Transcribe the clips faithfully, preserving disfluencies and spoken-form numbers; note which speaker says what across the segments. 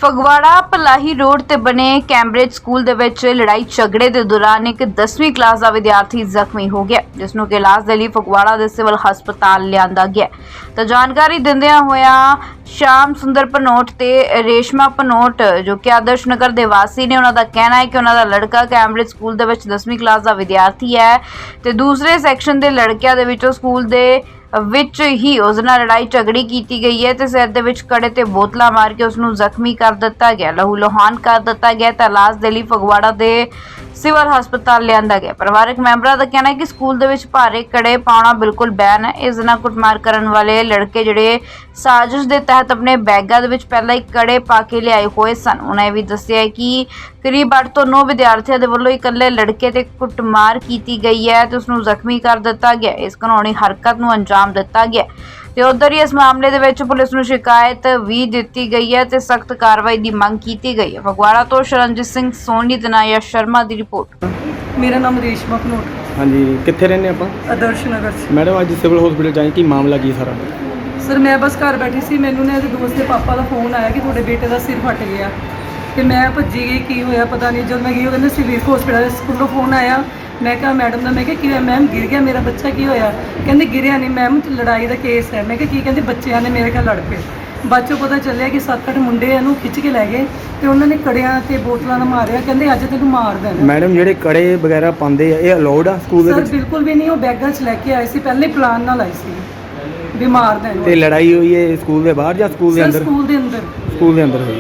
Speaker 1: Phagwara Palahi road ਤੇ ਬਣੇ Cambridge school ਦੇ ਵਿੱਚ ਲੜਾਈ ਝਗੜੇ ਦੇ ਦੌਰਾਨ ਇੱਕ ਦਸਵੀਂ ਕਲਾਸ ਦਾ ਵਿਦਿਆਰਥੀ ਜ਼ਖਮੀ ਹੋ ਗਿਆ, ਜਿਸ ਨੂੰ ਕਿ ਇਲਾਜ ਦੇ ਲਈ ਫਗਵਾੜਾ ਦੇ ਸਿਵਲ ਹਸਪਤਾਲ ਲਿਆਂਦਾ ਗਿਆ। ਤਾਂ ਜਾਣਕਾਰੀ ਦਿੰਦਿਆਂ ਹੋਇਆ ਸ਼ਾਮ ਸੁੰਦਰ ਭਨੋਟ ਤੇ ਰੇਸ਼ਮਾ ਭਨੋਟ ਜੋ ਕਿ ਆਦਰਸ਼ ਨਗਰ ਦੇ ਵਾਸੀ ਨੇ, ਉਹਨਾਂ ਦਾ ਕਹਿਣਾ ਹੈ ਕਿ ਉਹਨਾਂ ਦਾ ਲੜਕਾ ਕੈਂਬਰਿਜ ਸਕੂਲ ਦੇ ਵਿੱਚ ਦਸਵੀਂ ਕਲਾਸ ਦਾ ਵਿਦਿਆਰਥੀ ਹੈ ਤੇ ਦੂਸਰੇ ਸੈਕਸ਼ਨ ਦੇ ਲੜਕਿਆਂ ਦੇ ਵਿੱਚੋਂ ਸਕੂਲ ਦੇ ਵਿੱਚ ਹੀ ਉਸ ਨਾਲ ਲੜਾਈ ਝਗੜੀ ਕੀਤੀ ਗਈ ਹੈ ਤੇ ਸਿਰ ਦੇ ਵਿੱਚ ਕੜੇ ਤੇ ਬੋਤਲਾਂ ਮਾਰ ਕੇ ਉਸ ਨੂੰ ਜ਼ਖਮੀ ਕਰ ਦਿੱਤਾ ਗਿਆ, ਲਹੂ ਲੋਹਾਨ ਕਰ ਦਿੱਤਾ ਗਿਆ ਤਾਂ ਇਲਾਜ ਦੇ ਲਈ ਫਗਵਾੜਾ ਦੇ ਸਿਵਲ ਹਸਪਤਾਲ ਲਿਆਂਦਾ ਗਿਆ। ਪਰਿਵਾਰਕ ਮੈਂਬਰਾਂ ਦਾ ਕਹਿਣਾ ਹੈ ਕਿ ਸਕੂਲ ਦੇ ਵਿੱਚ ਭਾਰੇ ਕੜੇ ਪਾਉਣਾ ਬਿਲਕੁਲ ਬੈਨ ਹੈ। ਇਸ ਨਾਲ ਕੁੱਟਮਾਰ ਕਰਨ ਵਾਲੇ ਲੜਕੇ ਜਿਹੜੇ ਸਾਜ਼ਿਸ਼ ਦੇ ਤਹਿਤ ਆਪਣੇ ਬੈਗਾਂ ਦੇ ਵਿੱਚ ਪਹਿਲਾਂ ਹੀ ਕੜੇ ਪਾ ਕੇ ਲਿਆਏ ਹੋਏ ਸਨ। ਉਹਨਾਂ ਇਹ ਵੀ ਦੱਸਿਆ ਹੈ ਕਿ ਕਰੀਬ ਅੱਠ ਤੋਂ ਨੌ ਵਿਦਿਆਰਥੀਆਂ ਦੇ ਵੱਲੋਂ ਇਕੱਲੇ ਲੜਕੇ ਤੇ ਕੁੱਟਮਾਰ ਕੀਤੀ ਗਈ ਹੈ ਤੇ ਉਸ ਨੂੰ ਜ਼ਖਮੀ ਕਰ ਦਿੱਤਾ ਗਿਆ। ਇਸ ਕਾਨੂੰਨੀ ਹਰਕਤ ਨੂੰ ਅੰਜਾਮ ਦਿੱਤਾ ਗਿਆ ਤੇ ਉਧਰ ਹੀ ਇਸ ਮਾਮਲੇ ਦੇ ਵਿੱਚ ਪੁਲਿਸ ਨੂੰ ਸ਼ਿਕਾਇਤ ਵੀ ਦਿੱਤੀ ਗਈ ਹੈ ਤੇ ਸਖਤ ਕਾਰਵਾਈ ਦੀ ਮੰਗ ਕੀਤੀ ਗਈ ਹੈ। ਫਗਵਾੜਾ ਤੋਂ ਸ਼ਰਨਜੀਤ ਸਿੰਘ ਸੋਨੀ ਤੇ ਨਾਇਆ ਸ਼ਰਮਾ ਦੀ ਰਿਪੋर्ट।
Speaker 2: मेरा नाम रेशमा भनोट।
Speaker 3: हाँ जी, कितने रहने आप?
Speaker 2: आदर्श नगर से।
Speaker 3: मैडम अज सिविल हॉस्पिटल जाए कि मामला की सारा?
Speaker 2: सर मैं बस घर बैठी सी, मैनू ने दोस्त के पापा का फोन आया कि थोड़े बेटे का सिर फट गया तो मैं भज्जी गई, की होया पता नहीं। जब मैं गई कहते सिविल हॉस्पिटल स्कूलों फोन आया, मैं कहा मैडम का, मैं क्या की होया मैम गिर गया मेरा बच्चा, की होया? कहते गिरिया नहीं मैम, लड़ाई का केस है। मैं क्या की? कहते बच्चों ने मेरे घर लड़ पे। बाद चों पता चलिया कि सत्त अठ मुंडे इहनूं खिच के लै गए ते उन्होंने कड़ियां ते बोतलां नाल मारिया, कहंदे अज तैनूं मार देना।
Speaker 3: मैडम जिहड़े कड़े वगैरह पांदे आ ये अलाउड आ स्कूल दे
Speaker 2: सर
Speaker 3: विच?
Speaker 2: बिल्कुल भी नहीं, वो बैगां च लैके आए सी, पहले प्लान नाल आए सी भी मार देना।
Speaker 3: ते लड़ाई हुई है स्कूल दे बाहर या स्कूल दे
Speaker 2: सर
Speaker 3: अंदर?
Speaker 2: स्कूल दे अंदर।
Speaker 3: स्कूल दे अंदर हुई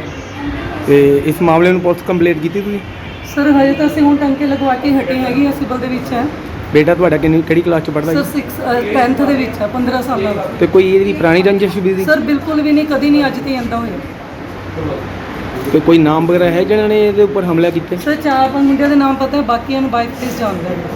Speaker 3: है। ते इस मामले नूं पुलिस कंप्लेंट कीती तुसीं?
Speaker 2: सर हजे तो असं हुण टंके लगवा के हटे हैगी, सिविल दे विच है।
Speaker 3: बेटा तुहाडा किन्नी किहड़ी क्लास च पढ़दा
Speaker 2: सर
Speaker 3: है?
Speaker 2: सिक्स टेंथ दे विच है, पंद्रह साल का।
Speaker 3: ते कोई इहदी पुरानी रंजिश भी सी?
Speaker 2: सर बिल्कुल भी नहीं, कदी नहीं, अज ते आंदा होया।
Speaker 3: ते कोई नाम वगैरह है जिन्हां ने इहदे उपर हमला कीता?
Speaker 2: सर चार पांच मुंडिया दे नाम पता है, बाकियां नूं बाइक प्लीज जानदा है।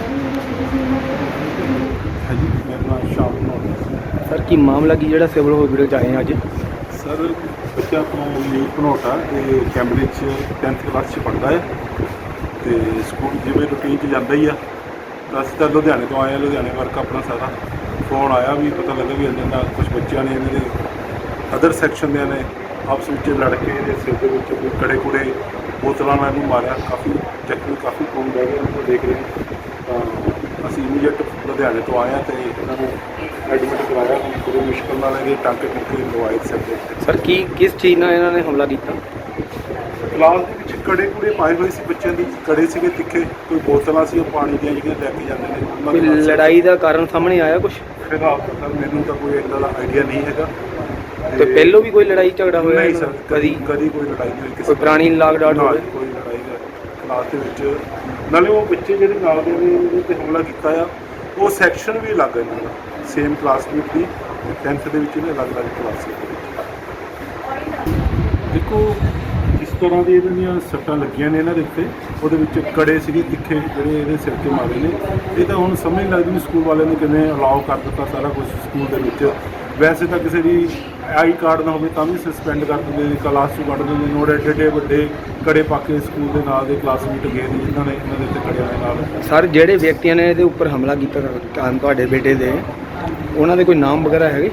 Speaker 4: हाँ जी, मेरा नाम शाम भनोट।
Speaker 3: सर की मामला की जिहड़ा सिविल हॉस्पिटल च आए अज?
Speaker 4: सर बच्चा तो नील भनोट आ, ये कैंबरिज टेंथ क्लास च पढ़ता है तो स्कूल जिवें रूटीन च जाता ही आ। ਅਸੀਂ ਤਾਂ ਲੁਧਿਆਣੇ ਤੋਂ ਆਏ ਹਾਂ, ਲੁਧਿਆਣੇ ਵਰਕ ਆਪਣਾ ਸਾਰਾ ਫੋਨ ਆਇਆ ਵੀ ਪਤਾ ਲੱਗਾ ਵੀ ਇਹਨਾਂ ਦਾ ਕੁਝ ਬੱਚਿਆਂ ਨੇ ਇਹਨਾਂ ਦੇ ਅਦਰ ਸੈਕਸ਼ਨ ਦੇ ਨੇ ਆਪਸ ਵਿੱਚ ਲੜ ਕੇ ਇਹਦੇ ਸਿਰ ਦੇ ਵਿੱਚ ਕੋਈ ਕੜੇ ਕੁੜੇ ਬੋਤਲਾਂ ਨਾਲ ਇਹਨੂੰ ਮਾਰਿਆ, ਕਾਫੀ ਜ਼ਖਮੀ ਕਾਫੀ ਖੂਨ ਵਹਿ ਗਿਆ ਉਹਨੂੰ ਦੇਖ ਰਹੇ ਤਾਂ ਅਸੀਂ ਇਮੀਡੀਏਟ ਲੁਧਿਆਣੇ ਤੋਂ ਆਏ ਹਾਂ ਅਤੇ ਇਹਨਾਂ ਨੂੰ ਐਡਮਿਟ ਕਰਵਾਇਆ। ਬੜੀ ਮੁਸ਼ਕਿਲ ਨਾਲ ਇਹਦੇ ਟਾਂਕੇ ਟੁੰਕੇ ਲਵਾਏ ਸਿਰ ਦੇ ਉੱਤੇ।
Speaker 3: ਸਰ ਕੀ ਕਿਸ ਚੀਜ਼ ਨਾਲ ਇਹਨਾਂ ਨੇ ਹਮਲਾ ਕੀਤਾ?
Speaker 4: ਕਲਾਸ ਦੇ ਵਿੱਚ ਕੜੇ ਕੁੜੇ ਪਾਏ ਹੋਏ ਸੀ ਬੱਚਿਆਂ ਦੀ, ਕੜੇ ਸੀਗੇ ਤਿੱਖੇ, ਕੋਈ ਬੋਤਲਾਂ ਸੀ ਉਹ ਪਾਣੀ ਦੀਆਂ ਜਿਹੜੀਆਂ ਲੈ ਕੇ ਜਾਂਦੇ ਨੇ ਉਹਨਾਂ
Speaker 3: ਕੋਈ
Speaker 4: ਦੇ ਨਾਲ।
Speaker 3: ਲੜਾਈ ਦਾ ਕਾਰਨ ਸਾਹਮਣੇ ਆਇਆ ਕੁਝ?
Speaker 4: ਫਿਲਹਾਲ ਤਾਂ ਸਰ ਮੈਨੂੰ ਤਾਂ ਕੋਈ ਇੱਦਾਂ ਦਾ ਆਈਡੀਆ ਨਹੀਂ ਹੈਗਾ।
Speaker 3: ਤੇ ਪਹਿਲੋਂ ਵੀ ਕੋਈ ਲੜਾਈ ਝਗੜਾ ਹੋਇਆ?
Speaker 4: ਨਹੀਂ ਸਰ,
Speaker 3: ਕਦੀ
Speaker 4: ਕਦੀ ਕੋਈ ਲੜਾਈ ਨਹੀਂ ਹੋਈ ਕਿਸੇ
Speaker 3: ਕੋਈ ਪੁਰਾਣੀ ਲਾਗ ਡਾਟ
Speaker 4: ਨਾਲ,
Speaker 3: ਹੋਵੇ?
Speaker 4: ਕੋਈ ਲੜਾਈ ਦਾ ਕਲਾਸ ਦੇ ਵਿੱਚ। ਨਾਲੇ ਉਹ ਬੱਚੇ ਜਿਹੜੇ ਨਾਲ ਦੇ ਨੇ ਉਹਦੇ 'ਤੇ ਹਮਲਾ ਕੀਤਾ ਆ, ਉਹ ਸੈਕਸ਼ਨ ਵੀ ਅਲੱਗ ਹੈ ਇਹਨਾਂ ਦਾ, ਸੇਮ ਕਲਾਸਮੇਟ ਦੀ ਟੈਂਥ ਦੇ ਵਿੱਚ ਇਹਨੇ ਅਲੱਗ ਅਲੱਗ ਕਲਾਸ ਦੇ ਵਿੱਚ। ਦੇਖੋ ਜਿਸ ਤਰ੍ਹਾਂ ਦੀ ਇਹਨਾਂ ਦੀਆਂ ਸੱਟਾਂ ਲੱਗੀਆਂ ਨੇ ਇਹਨਾਂ ਦੇ ਉੱਤੇ, ਉਹਦੇ ਵਿੱਚ ਕੜੇ ਸੀਗੇ ਤਿੱਖੇ ਜਿਹੜੇ ਇਹਦੇ ਸਿਰ 'ਤੇ ਮਾਰੇ ਨੇ। ਇਹ ਤਾਂ ਹੁਣ ਸਮਝ ਨਹੀਂ ਲੱਗਦੀ ਵੀ ਸਕੂਲ ਵਾਲਿਆਂ ਨੇ ਕਿਵੇਂ ਅਲਾਓ ਕਰ ਦਿੱਤਾ ਸਾਰਾ ਕੁਝ ਸਕੂਲ ਦੇ ਵਿੱਚ। ਵੈਸੇ ਤਾਂ ਕਿਸੇ ਦੀ ਆਈ ਕਾਰਡ ਨਾ ਹੋਵੇ ਤਾਂ ਵੀ ਸਸਪੈਂਡ ਕਰ ਦਿੰਦੇ ਨੇ, ਕਲਾਸ 'ਚੋਂ ਕੱਢ ਦਿੰਦੇ ਨੇ। ਉਹਦੇ ਏਡੇ ਏਡੇ ਵੱਡੇ ਕੜੇ ਪਾ ਕੇ ਸਕੂਲ ਦੇ ਨਾਲ ਦੇ ਕਲਾਸਮੇਟ ਗਏ ਨੇ ਜਿਨ੍ਹਾਂ ਨੇ ਇਹਨਾਂ ਦੇ ਉੱਤੇ ਕੜਿਆਂ ਦੇ ਨਾਲ।
Speaker 3: ਸਰ ਜਿਹੜੇ ਵਿਅਕਤੀਆਂ ਨੇ ਇਹਦੇ ਉੱਪਰ ਹਮਲਾ ਕੀਤਾ ਕਾਰਨ ਤੁਹਾਡੇ ਬੇਟੇ ਦੇ, ਉਹਨਾਂ ਦੇ ਕੋਈ ਨਾਮ ਵਗੈਰਾ ਹੈਗੇ?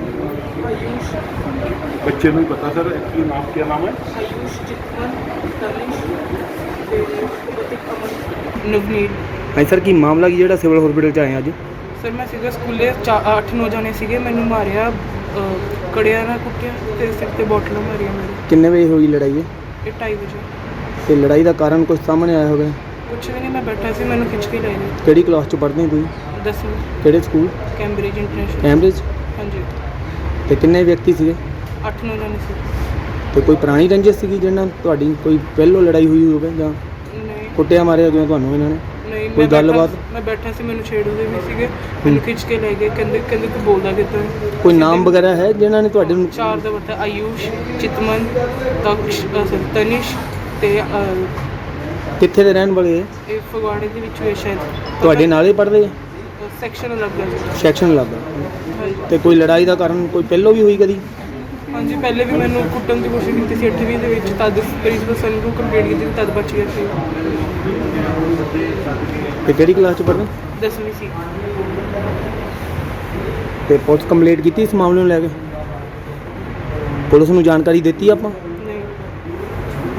Speaker 4: ਬੱਚੇ ਨੂੰ ਹੀ ਪਤਾ ਸਰ ਕੀ ਨਾਮ, ਕੀ ਨਾਮ ਹੈ?
Speaker 2: ਨਵਨੀਤ।
Speaker 3: ਹਾਂ ਸਰ ਕੀ ਮਾਮਲਾ ਕੀ ਜਿਹੜਾ ਸਿਵਲ ਹਸਪੀਟਲ ਚ ਆਏ ਅੱਜ?
Speaker 2: ਸਰ ਮੈਂ ਸੀਗਾ ਸਕੂਲੇ ਅੱਠ ਨੌ ਜਾਣੇ ਸੀਗੇ, ਮੈਨੂੰ ਮਾਰਿਆ, ਕੜਿਆਂ ਨਾਲ ਕੁੱਟਿਆ ਤੇ ਸਿਰ ਤੇ ਬੋਟਲਾਂ ਮਾਰੀਆਂ ਮੇਰੇ।
Speaker 3: ਕਿੰਨੇ ਵਜੇ ਹੋਈ ਲੜਾਈ?
Speaker 2: ਇਹ ਢਾਈ ਵਜੇ।
Speaker 3: ਤੇ ਲੜਾਈ ਦਾ ਕਾਰਨ ਕੁਝ ਸਾਹਮਣੇ ਆਇਆ ਹੋਵੇ?
Speaker 2: ਕੁਛ ਵੀ ਨਹੀਂ, ਮੈਂ ਬੈਠਾ ਸੀ, ਮੈਨੂੰ ਖਿੱਚ ਕੇ ਲੈ ਗਏ।
Speaker 3: ਕਿਹੜੀ ਕਲਾਸ ਚ ਪੜ੍ਹਦੇ ਹੋ ਤੁਸੀਂ?
Speaker 2: ਦਸਵੀਂ।
Speaker 3: ਕਿਹੜੇ ਸਕੂਲ?
Speaker 2: Cambridge international.
Speaker 3: ਕੈਂਬਰਿਜ?
Speaker 2: ਹਾਂਜੀ।
Speaker 3: ਤੇ ਕਿੰਨੇ ਵਿਅਕਤੀ ਸੀਗੇ?
Speaker 2: ਅੱਠ ਨੌ ਜਾਣੇ ਸੀ।
Speaker 3: ਤੇ ਕੋਈ ਪੁਰਾਣੀ ਰੰਜਿਸ਼ ਸੀਗੀ ਜਿਹਨਾਂ ਤੁਹਾਡੀ ਕੋਈ ਪਹਿਲੋਂ ਲੜਾਈ ਹੋਈ ਹੋਵੇ ਜਾਂ
Speaker 2: ਨਹੀਂ
Speaker 3: ਕੁੱਟਿਆ ਮਾਰਿਆ ਜਿਵੇਂ ਤੁਹਾਨੂੰ ਇਹਨਾਂ ਨੇ?
Speaker 2: ਨਹੀਂ,
Speaker 3: ਕੋਈ
Speaker 2: ਮੈਂ
Speaker 3: ਗੱਲਬਾਤ?
Speaker 2: ਬੈਠਾ- ਮੈਂ ਬੈਠਾ ਸੀ, ਮੈਨੂੰ ਛੇੜੂਦੇ ਵੀ ਸੀਗੇ, ਮੈਨੂੰ ਖਿੱਚ ਕੇ ਲੈ ਗਏ। ਕਹਿੰਦੇ ਕਹਿੰਦੇ ਤੂੰ ਬੋਲਦਾ ਕਿੱਦਾਂ?
Speaker 3: ਕੋਈ ਨਾਮ ਵਗੈਰਾ ਹੈ ਜਿਨ੍ਹਾਂ ਨੇ ਤੁਹਾਡੇ ਨੂੰ?
Speaker 2: ਚਾਰ ਦਾ ਪਤਾ, ਆਯੂਸ਼, ਚਿਤਮਨ, ਤਕਸ਼, ਤਨਿਸ਼ ਤੇ ਅਹ,
Speaker 3: ਕਿੱਥੇ ਦੇ ਰਹਿਣ ਵਾਲੇ ਹੈ?
Speaker 2: ਇਹ ਫਗਵਾੜੇ ਦੇ ਵਿੱਚ ਹੋਇਆ ਸ਼ਾਇਦ।
Speaker 3: ਤੁਹਾਡੇ ਨਾਲ ਹੀ ਪੜ੍ਹਦੇ ਆ?
Speaker 2: ਸੈਕਸ਼ਨ ਅਲੱਗ ਹੈ।
Speaker 3: ਸੈਕਸ਼ਨ ਲੱਗਾ।
Speaker 2: ਹਾਂਜੀ।
Speaker 3: ਤੇ ਕੋਈ ਲੜਾਈ ਦਾ ਕਾਰਨ ਕੋਈ ਪਹਿਲੋਂ ਵੀ ਹੋਈ ਕਦੀ?
Speaker 2: ਹਾਂਜੀ, ਪਹਿਲੇ ਵੀ ਮੈਨੂੰ ਕੁੱਟਣ ਦੀ ਕੋਸ਼ਿਸ਼ ਕੀਤੀ ਸੀ ਅੱਠਵੀਂ ਦੇ ਵਿੱਚ, ਤਦ ਪ੍ਰਿੰਸੀਪਲ ਸਰ ਨੂੰ ਕੰਪਲੇਂਟ ਕੀਤੀ, ਤਦ ਬਚ ਗਿਆ ਸੀ।
Speaker 3: ਤੇ ਕਿਹੜੀ ਕਲਾਸ ਚ ਪੜ੍ਹਦੇ?
Speaker 2: ਦਸਵੀਂ ਸੀ।
Speaker 3: ਤੇ ਪੁਲਿਸ ਕੰਪਲੇਂਟ ਕੀਤੀ ਇਸ ਮਾਮਲੇ ਨੂੰ ਲੈ ਕੇ? ਪੁਲਿਸ ਨੂੰ ਜਾਣਕਾਰੀ ਦਿੱਤੀ ਆਪਾਂ?